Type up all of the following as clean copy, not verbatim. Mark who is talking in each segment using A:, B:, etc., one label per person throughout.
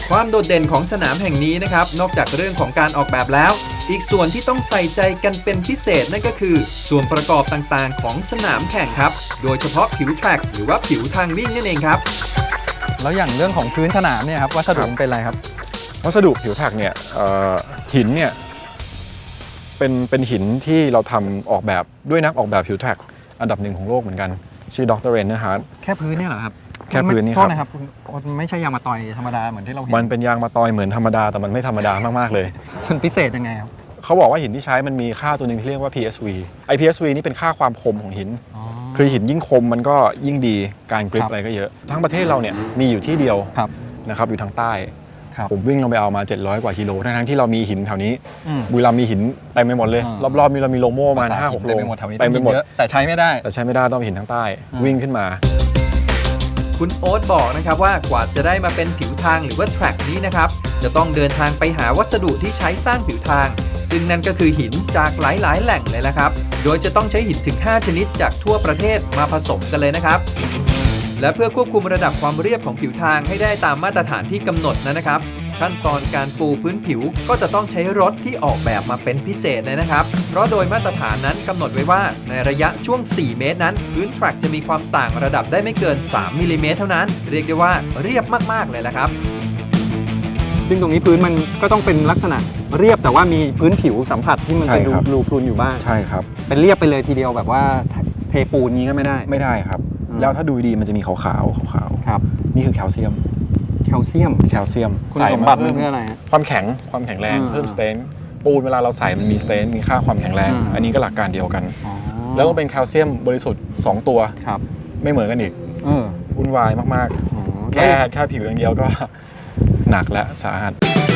A: ความโดดเด่นของสนามแห่งนี้นะครับนอกจากเรื่องของการออกแบบแล้วอีกส่วนที่ต้องใส่ใจกันเป็นพิเศษนั่นก็คือส่วนประกอบต่างๆของสนามแข่งครับโดยเฉพาะผิวแทร็กหรือว่าผิวทางวิ่งนั่นเองครับ
B: แล้วอย่างเรื่องของพื้นสนามเนี่ยครับวัสดุเป็นอะไรครับ
C: วัสดุผิวแทร็กเนี่ยหินเนี่ยเป็นหินที่เราทำออกแบบด้วยนักออกแบบผิวแทร็กอันดับหนึ่งของโลกเหมือนกันชื่อดร. เรนเนอร์ฮาร์ด
B: แค่พื้นเนี่ยเหรอครับ
C: แค่พื้นนี่ครับ
B: โทษนะครับไม่ใช่ยางมะตอยธรรมดาเหมือนที่เราเห็น
C: มันเป็นยางมะตอยเหมือนธรรมดาแต่มันไม่ธรรมดามากๆเลย
B: มันพิเศษยังไงครับ
C: เขาบอกว่าหินที่ใช้มันมีค่าตัวหนึ่งที่เรียกว่า PSV PSV นี่เป็นค่าความคมของหินคือหินยิ่งคมมันก็ยิ่งดีการกริปอะไรก็เยอะทั้งประเทศเราเนี่ยมีอยู่ที่เดียวนะครับอยู่ทางใต้ผมวิ่งลงไปเอามา700กว่ากิโลทั้งที่เรามีหินแถวนี้บุรีรัมย์มีหินเต็มไปหมดเลยรอบๆนี้เรามีโลโม่มา 5-6 โล
B: เต็มไปหมดแต่ใช้ไม่ได้
C: ต้องหินทางใต้วิ่งขึ้นมา
A: คุณโอ๊ตบอกนะครับว่ากว่าจะได้มาเป็นผิวทางหรือว่าแทร็กนี้นะครับจะต้องเดินทางไปหาวัสดุที่ใช้สร้างผิวทางซึ่งนั่นก็คือหินจากหลายๆแหล่งเลยละครับโดยจะต้องใช้หินถึง5ชนิดจากทั่วประเทศมาผสมกันเลยนะครับและเพื่อควบคุมระดับความเรียบของผิวทางให้ได้ตามมาตรฐานที่กำหนดนะครับขั้นตอนการปูพื้นผิวก็จะต้องใช้รถที่ออกแบบมาเป็นพิเศษเลยนะครับเพราะโดยมาตรฐานนั้นกำหนดไว้ว่าในระยะช่วง4 เมตรนั้นพื้นแทร็กจะมีความต่างระดับได้ไม่เกิน3 มิลลิเมตรเท่านั้นเรียกได้ว่าเรียบมากๆเลยละครับ
B: ซึ่งตรงนี้พื้นมันก็ต้องเป็นลักษณะเรียบแต่ว่ามีพื้นผิวสัมผัสที่มันเป็นรูพรุนอยู่บ้าง
C: ใช่ครับ
B: เป็นเรียบไปเลยทีเดียวแบบว่าเทปูนนี้ก็ไม่ได้
C: ครับแล้วถ้าดูดีมันจะมีขาว
B: ครับ
C: นี่คือแคลเซียม
B: คุณสมบัติมันเพื่ออะไรฮะ
C: ความแข็งแรงเพิ่มสเตนปูนเวลาเราใส่มันมีสเตนมีค่าความแข็งแรงอันนี้ก็หลักการเดียวกันแล้วก็เป็นแคลเซียมบริสุทธิ์2ตัวไม่เหมือนกันอีกวุ่นวายมากๆแค่ผิวอย่างเดียวก็หนักและสาหัส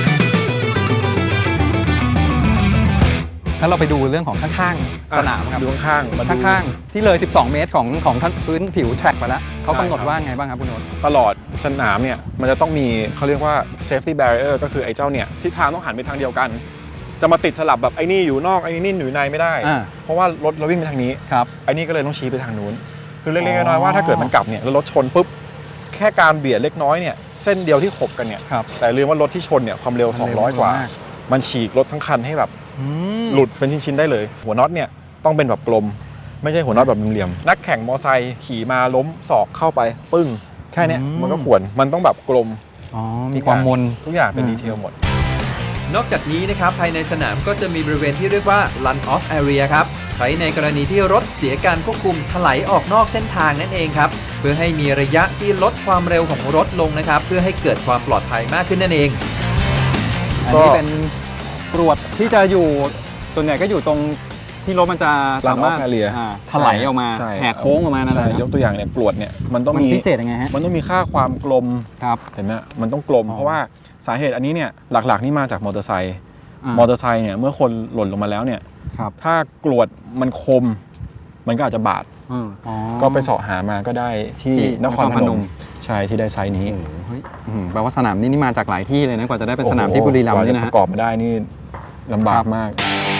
B: ถ้าเราไปดูเรื่องของข้างๆสนามครับ
C: ดูข้าง
B: ๆที่เลย12 เมตรของพื้นผิวแทร็กไปแล้วเขากำหนดว่าไงบ้างครับคุณโนน
C: ตลอดสนามเนี่ยมันจะต้องมีเขาเรียกว่า safety barrier ก็คือไอ้เจ้าเนี่ยทิศทางต้องหันไปทางเดียวกันจะมาติดสลับแบบไอ้นี่อยู่นอกไอ้นี่อยู่ในไม่ได้เพราะว่ารถเราวิ่งไปทางนี้ไอ้นี่ก็เลยต้องชี้ไปทางนู้นคือเล็กๆน้อยๆว่าถ้าเกิดมันกลับเนี่ยแล้วรถชนปุ๊บแค่การเบียดเล็กน้อยเนี่ยเส้นเดียวที่ขบกันเนี่ยแต่ลืมว่ารถที่ชนเนี่ยความเร็ว200กว่ามันฉีกรถทั้งคันให้แบบหลุดเป็นชิ้นๆได้เลยหัวน็อตเนี่ยต้องเป็นแบบกลมไม่ใช่หัวน็อตแบบเหลี่ยมๆนักแข่งมอไซค์ขี่มาล้มศอกเข้าไปปึ้งแค่นี้มันก็ควรมันต้องแบบกลม
B: มีความมน
C: ทุกอย่างเป็นดีเทลหมด
A: นอกจากนี้นะครับภายในสนามก็จะมีบริเวณที่เรียกว่า run off area ครับใช้ในกรณีที่รถเสียการควบคุมถลายออกนอกเส้นทางนั่นเองครับเพื่อให้มีระยะที่ลดความเร็วของรถลงนะครับเพื่อให้เกิดความปลอดภัยมากขึ้นนั่นเอง
B: อันนี้เป็นกรวดที่จะอยู่ส่วนใหญ่ก็อยู่ตรงที่รถมันจะสามารถถลายออกมาแหกโค้งออกมานั่นแหละ
C: ยกตัวอย่างเนี่ยกรวดเนี่ยมันต้องมี
B: พิเศษยังไงฮะ
C: มันต้องมีค่าความกลมเห็นไหมมันต้องกลมเพราะว่าสาเหตุอันนี้เนี่ยหลักๆนี่มาจากมอเตอร์ไซค์เนี่ยเมื่อคนหล่นลงมาแล้วเนี่ยถ้ากรวดมันคมมันก็อาจจะบาดก็ไปเสาะหามาก็ได้ที่นครพนมใช่ที่ได้ไซส์นี้
B: แปลว่าสนามนี้มาจากหลายที่เลยนะกว่าจะได้เป็นสนามที่บุรีรัมย์นี่นะ
C: ประกอบมาได้นี่ลำบากมาก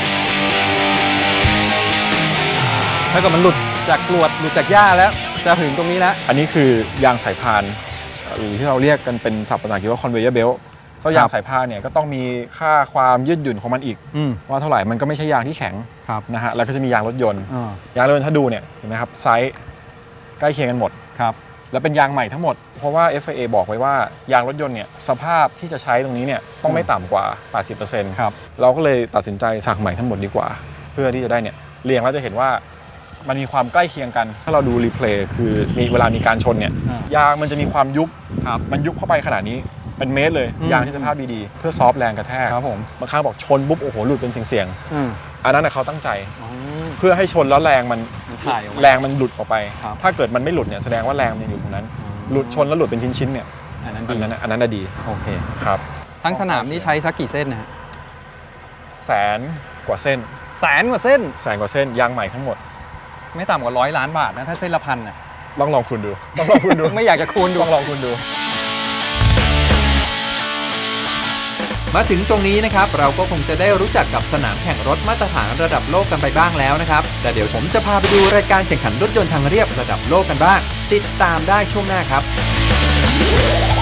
B: ถ้าเกิดมันหลุดจากกรวดหลุดจากหญ้าแล้วจะถึงตรงนี้แล้ว
C: อันนี้คือยางสายพานหรือที่เราเรียกกันเป็นศัพท์ภาษาอังกฤษว่า conveyor belt ก็ยางสายพานเนี่ยก็ต้องมีค่าความยืดหยุ่นของมันอีกว่าเท่าไหร่มันก็ไม่ใช่ยางที่แข็งนะฮะแล้วก็จะมียางรถยนต์ยางรถยนต์ถ้าดูเนี่ยเห็นไหมครับไซส์ใกล้เคียงกันหมดแล้วเป็นยางใหม่ทั้งหมดเพราะว่า FIA บอกไว้ว่ายางรถยนต์เนี่ยสภาพที่จะใช้ตรงนี้เนี่ยต้องไม่ต่ำกว่า 80% เราก็เลยตัดสินใจสั่งใหม่ทั้งหมดดีกว่าเพื่อที่จะได้เนี่ยเรียงแล้วจะเห็นว่ามันมีความใกล้เคียงกันถ้าเราดูรีเพลย์คือมีเวลามีการชนเนี่ยยางมันจะมีความยุบมันยุบเข้าไปขนาดนี้เป็นเมตรเลยยางที่สภาพดีๆเพื่อซอฟแรงกระแทกบางครั้งบอกชนปุ๊บโอ้โหหลุดเป็นเสียงอันนั้นเขาตั้งใจเพื่อให้ชนแล้วแรงมันหลุดออกไปถ้าเกิดมันไม่หลุดเนี่ยแสดงว่าแรงมันอยู่ตรงนั้นหลุดชนแล้วหลุดเป็นชิ้นๆเนี่ยอันนั้นดี
B: โอเค
C: ครับ
B: ทั้งสนามนี้ใช้สักกี่เส้นนะฮะ
C: 100,000 กว่าเส้น
B: 100,000 กว่าเส้น
C: ยางใหม่ทั้งหมด
B: ไม่ต่ำกว่า100 ล้านบาทนะถ้าเส้นละ1,000น่ะ
C: ลองคูณดู
B: ไม่อยากจะคูณดู
C: ลองคูณดู
A: มาถึงตรงนี้นะครับเราก็คงจะได้รู้จักกับสนามแข่งรถมาตรฐานระดับโลกกันไปบ้างแล้วนะครับแต่เดี๋ยวผมจะพาไปดูรายการแข่งขันรถยนต์ทางเรียบระดับโลกกันบ้างติดตามได้ช่วงหน้าครับ